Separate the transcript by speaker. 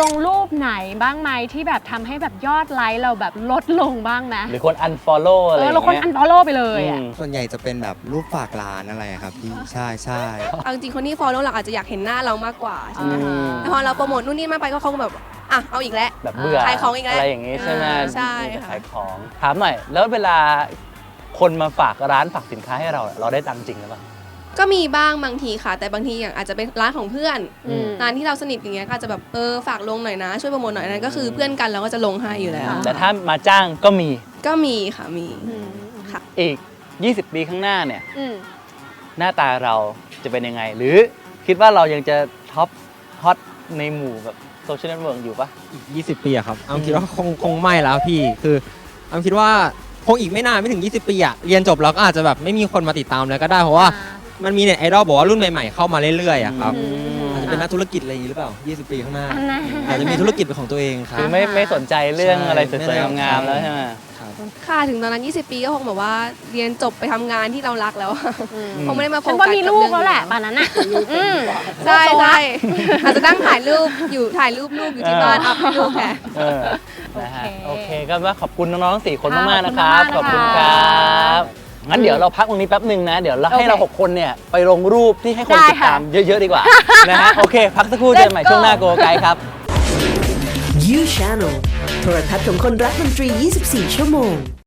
Speaker 1: ลงรูปไหนบ้างไหมที่แบบทำให้แบบยอดไลค์เราแบบลดลงบ้างไหม
Speaker 2: หรือคน unfollow อะไรอย่าง
Speaker 1: เราคน
Speaker 2: เงี้ย
Speaker 1: unfollow ไปเลยอ่ะ
Speaker 3: ส่วนใหญ่จะเป็นแบบรูปฝากร้านอะไรครับพี่ใช่ใช่
Speaker 4: เอาจริงๆคนที่ follow เราอาจจะอยากเห็นหน้าเรามากกว่าใช่ไหม
Speaker 1: อ่า
Speaker 4: แต่พอเราโปรโมทนู่นนี่มากไปก็เขาก็แบบอ่ะเอาอีกแล้ว
Speaker 2: แบบเบื่อ
Speaker 4: ขายของอีกแล้ว
Speaker 2: อะไรอย่างงี้ใช่ไหม
Speaker 4: ใช่ค่ะ
Speaker 2: ขายของถามหน่อยแล้วเวลาคนมาฝากร้านฝากสินค้าให้เราได้ตังค์จริงหรือเปล่า
Speaker 4: ก็มีบ้างบางทีค่ะ แต่บางทีอย่างอาจจะเป็นร้านของเพื่อน
Speaker 1: อืม
Speaker 4: ร้านที่เราสนิทอย่างเงี้ยก็อาจจะแบบฝากลงหน่อยนะช่วยโปรโมทหน่อยนั้นก็คือเพื่อนกันเราก็จะลงให้อยู่แล้ว
Speaker 2: แต่ถ้ามาจ้างก็มี
Speaker 4: ก็มีค่ะมี
Speaker 1: อืม
Speaker 4: ค่ะ
Speaker 2: อีก 20 ปีข้างหน้าเนี่ย
Speaker 1: อืม
Speaker 2: หน้าตาเราจะเป็นยังไง หรือคิดว่าเรายังจะท็อปฮอตในหมู่แบบโซเชียลเน็ตเวิร์กอยู่ปะ
Speaker 5: อีก20 ปีอะครับคิดว่าคงไม่แล้วพี่คือคิดว่าคงอีกไม่นานไม่ถึง 20 ปีอะเรียนจบแล้วก็อาจจะแบบไม่มีคนมาติดตามแล้วก็ได้เพราะว่ามันมีเน็ตไอดอลบอกว่ารุ่นใหม่ๆเข้ามาเรื่อยๆอะครับ อาจจะเป็นนักธุรกิจอะไรอย่างนี้หรือเปล่า 20 ปีข้างหน้า
Speaker 1: อันนั้น
Speaker 5: อาจจะมีธุรกิจเป็นของตัวเองครั
Speaker 2: คื
Speaker 5: บ
Speaker 2: อไม่สนใจเรื่อง
Speaker 5: ใช่
Speaker 2: อะไรสวยๆงามๆแล้วใช่ไหม
Speaker 5: ครับ
Speaker 4: ค่ะถึงตอนนั้น 20 ปีก็คงแบบว่าเรียนจบไปทำงานที่เรารักแล้วอะ
Speaker 1: อืม
Speaker 4: คงไม่ได้มาโฟ
Speaker 1: ฉัน
Speaker 4: กั
Speaker 1: ว่า
Speaker 4: ส
Speaker 1: มี
Speaker 4: กับ
Speaker 1: ลูก
Speaker 4: เรื่อง
Speaker 1: แล้วแหละ
Speaker 4: นี้
Speaker 1: ป่านนั้นอ่ะอืม
Speaker 4: ใช่ใช่อาจจะนั่งถ่ายรูปลูกอยู่ที่บ้านอัพลูกแค่
Speaker 2: เออนะฮะ
Speaker 1: โอ
Speaker 2: โอ
Speaker 1: เค
Speaker 2: เคก็ว่าขอบคุณน้องๆทั้ง4คนมากๆ
Speaker 1: ข
Speaker 2: นะ
Speaker 1: อบ
Speaker 2: ค
Speaker 1: คุณ
Speaker 2: รับ
Speaker 1: มากๆ
Speaker 2: ขอบคุณ
Speaker 1: นะคะ
Speaker 2: ครับงั้นเดี๋ยวเราพักตรงนี้แป๊บหนึ่งนะ เดี๋ยวเราให้เรา
Speaker 1: โอเค
Speaker 2: 6 คนเนี่ยไปลงรูปที่ให้คน
Speaker 1: ได้
Speaker 2: ติด
Speaker 1: ค่ะ
Speaker 2: ตามเยอะๆดีกว่า นะฮะโอเค พักสักครู่เจอกันใหม่
Speaker 1: Let's go
Speaker 2: ช่วงหน้าโกไกด์ครับ
Speaker 6: You Channel โทรทัศน์ของคนรักดนตรี 24 ชั่วโมง